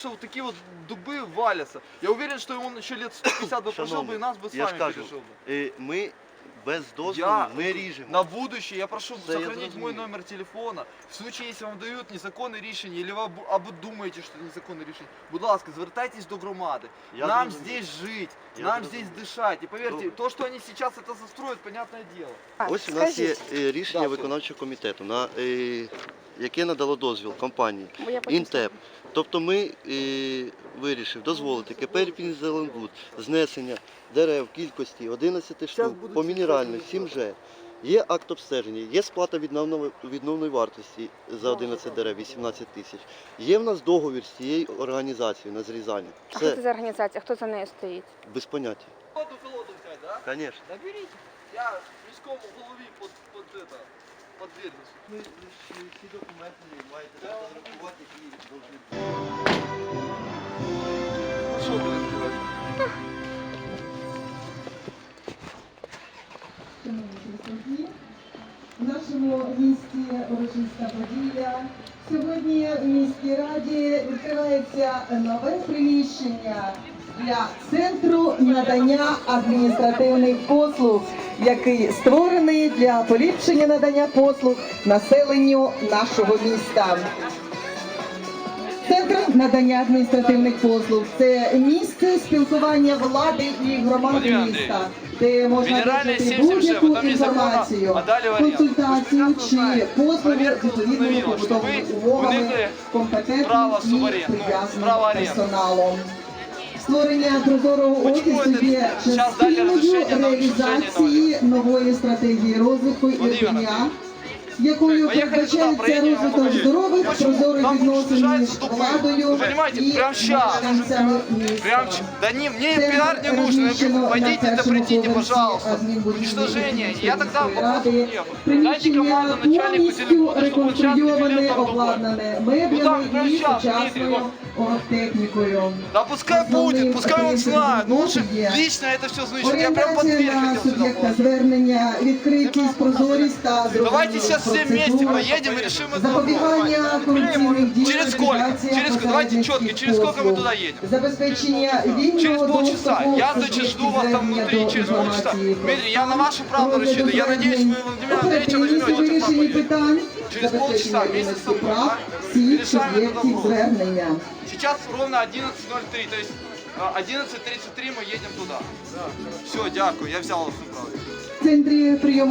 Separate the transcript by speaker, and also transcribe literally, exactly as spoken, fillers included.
Speaker 1: вот такие вот дубы валятся. Я уверен, что он еще лет сто пятьдесят бы прожил бы и нас бы с
Speaker 2: я ж
Speaker 1: вами
Speaker 2: кажу,
Speaker 1: пережил бы.
Speaker 2: е, ми без дозволу
Speaker 1: Я
Speaker 2: не ріжемо.
Speaker 1: на будущее я прошу
Speaker 2: Да, я
Speaker 1: сохранить мой
Speaker 2: зрозумів.
Speaker 1: номер телефона. В случае, если вам дают незаконне рішення, или ви або- або думаєте, що це незаконне рішення, будь ласка, звертайтесь до громади.
Speaker 2: Я
Speaker 1: Нам
Speaker 2: зрозумів.
Speaker 1: здесь жить,
Speaker 2: Я
Speaker 1: нам
Speaker 2: зрозумів.
Speaker 1: здесь дышать. И поверьте,
Speaker 2: Добре.
Speaker 1: то, что они сейчас это застроят, понятное дело.
Speaker 2: Ось у нас є
Speaker 3: Скажіть,
Speaker 2: е, рішення
Speaker 1: Да,
Speaker 2: виконавчого комітету, на, е, яке надало дозвіл компанії
Speaker 3: бо я потім
Speaker 2: Інтеп. Тобто ми е, вирішив дозволити КП «Ірпінь Зеленбуд» знесення дерев в кількості одинадцяти штук
Speaker 1: будуть
Speaker 2: по
Speaker 1: всі
Speaker 2: мінеральних
Speaker 1: штуки
Speaker 2: сім же. Є акт обстеження, є сплата відновної, відновної вартості за одинадцять дерев, вісімнадцять тисяч. Є в нас договір з цією організацією на зрізання.
Speaker 3: А що це
Speaker 2: Все
Speaker 3: за організація? Хто за нею стоїть?
Speaker 2: без поняття.
Speaker 1: Одну колоду взять, да?
Speaker 2: Звісно.
Speaker 1: Наберите. Я мешком в голове под, под это, под дверь.
Speaker 2: Ми всі документи маєте сфотографувати і повинні.
Speaker 1: Что будем делать?
Speaker 4: В нашому місті урочиста подія. Сьогодні в міській раді відкривається нове приміщення для центру надання адміністративних послуг, який створений для поліпшення надання послуг населенню нашого міста. Центр надання адміністративних послуг – це місце спілкування влади і громади
Speaker 1: Владимир Андрійович,
Speaker 4: міста, де можна
Speaker 1: Мінеральний
Speaker 4: отримати
Speaker 1: сім сім же,
Speaker 4: будь-яку
Speaker 1: там є закон,
Speaker 4: інформацію,
Speaker 1: а далі варіант.
Speaker 4: консультацію
Speaker 1: Ви ж
Speaker 4: чи
Speaker 1: знаєте,
Speaker 4: послуги
Speaker 1: перевірка
Speaker 4: з відповідними
Speaker 1: установила, що
Speaker 4: побутовими
Speaker 1: ви
Speaker 4: умовами,
Speaker 1: уникли
Speaker 4: компетентним
Speaker 1: права
Speaker 4: і
Speaker 1: суверен- ну,
Speaker 4: прив'язаним
Speaker 1: права оренди.
Speaker 4: персоналом. Створення прозорого
Speaker 1: Почему
Speaker 4: офісу
Speaker 1: это
Speaker 4: є
Speaker 1: сейчас дали
Speaker 4: частиною
Speaker 1: разрешение на уничтожение
Speaker 4: реалізації нової стратегії розвитку
Speaker 1: Владимир
Speaker 4: Ірпеня,
Speaker 1: Андрійович,
Speaker 4: якою
Speaker 1: поехали туда,
Speaker 4: передбачається
Speaker 1: проедем,
Speaker 4: розвиток
Speaker 1: покажи.
Speaker 4: здорових,
Speaker 1: Почему?
Speaker 4: прозорих
Speaker 1: Там
Speaker 4: відносин між
Speaker 1: уничтожаются дубы.
Speaker 4: владою
Speaker 1: Вы понимаете,
Speaker 4: і
Speaker 1: прям щас.
Speaker 4: мешканцями
Speaker 1: Прям,
Speaker 4: міста.
Speaker 1: ч- да не, мне
Speaker 4: Центр
Speaker 1: пиар не нужен, я
Speaker 4: розміщено
Speaker 1: говорю,
Speaker 4: на
Speaker 1: пойдите, да
Speaker 4: першому
Speaker 1: придите,
Speaker 4: поверсі
Speaker 1: пожалуйста.
Speaker 4: адмінбудівлі
Speaker 1: Уничтожение,
Speaker 4: Ірпінської
Speaker 1: я тогда
Speaker 4: міської
Speaker 1: вопросов
Speaker 4: ради.
Speaker 1: не было. Дайте
Speaker 4: Приміщення
Speaker 1: команду начальнику
Speaker 4: повністю
Speaker 1: телефона, чтобы он сейчас
Speaker 4: реконструйоване,
Speaker 1: перевел там дубы.
Speaker 4: обладнане
Speaker 1: Ну там
Speaker 4: меблями
Speaker 1: прям
Speaker 4: і
Speaker 1: щас, Дмитрий,
Speaker 4: сучасною
Speaker 1: вот.
Speaker 4: оргтехнікою.
Speaker 1: Да пускай
Speaker 4: Основным
Speaker 1: будет, пускай он
Speaker 4: принципом
Speaker 1: знает, но лучше
Speaker 4: роботи є
Speaker 1: лично это все значит. Я прям под
Speaker 4: орієнтація
Speaker 1: дверь
Speaker 4: на
Speaker 1: хотел сюда
Speaker 4: суб'єкта
Speaker 1: положить.
Speaker 4: звернення, відкритість, прозорість та
Speaker 1: Давайте сейчас все вместе
Speaker 4: процедур,
Speaker 1: поедем и решим это вопрос.
Speaker 4: запобігання корупційних дій,
Speaker 1: Через сколько?
Speaker 4: ліквідація
Speaker 1: Через сколько? Давайте
Speaker 4: посередницьких
Speaker 1: четко, через сколько мы
Speaker 4: послуг,
Speaker 1: туда едем?
Speaker 4: забезпечення
Speaker 1: Через
Speaker 4: вільного
Speaker 1: полчаса.
Speaker 4: доступу
Speaker 1: Я,
Speaker 4: суб'єктів
Speaker 1: значит, жду вас там
Speaker 4: звернення
Speaker 1: внутри
Speaker 4: до
Speaker 1: через полчаса.
Speaker 4: інформації про
Speaker 1: Дмитрий, я на вашу правду
Speaker 4: розгляду
Speaker 1: рассчитываю. Я надеюсь, вы
Speaker 4: звернень,
Speaker 1: Владимира Андреевича
Speaker 4: оперативність у
Speaker 1: возьмете.
Speaker 4: вирішенні питань,
Speaker 1: Через
Speaker 4: забезпечення
Speaker 1: полчаса вместе
Speaker 4: рівності
Speaker 1: со мной,
Speaker 4: прав
Speaker 1: да?
Speaker 4: всіх
Speaker 1: Решаем этот
Speaker 4: суб'єктів
Speaker 1: вопрос.
Speaker 4: звернення.
Speaker 1: Сейчас ровно одиннадцать ноль три, то есть а, одиннадцать тридцать три мы едем туда. Все, дякую, я взял вас на правду.
Speaker 4: В центрі прийому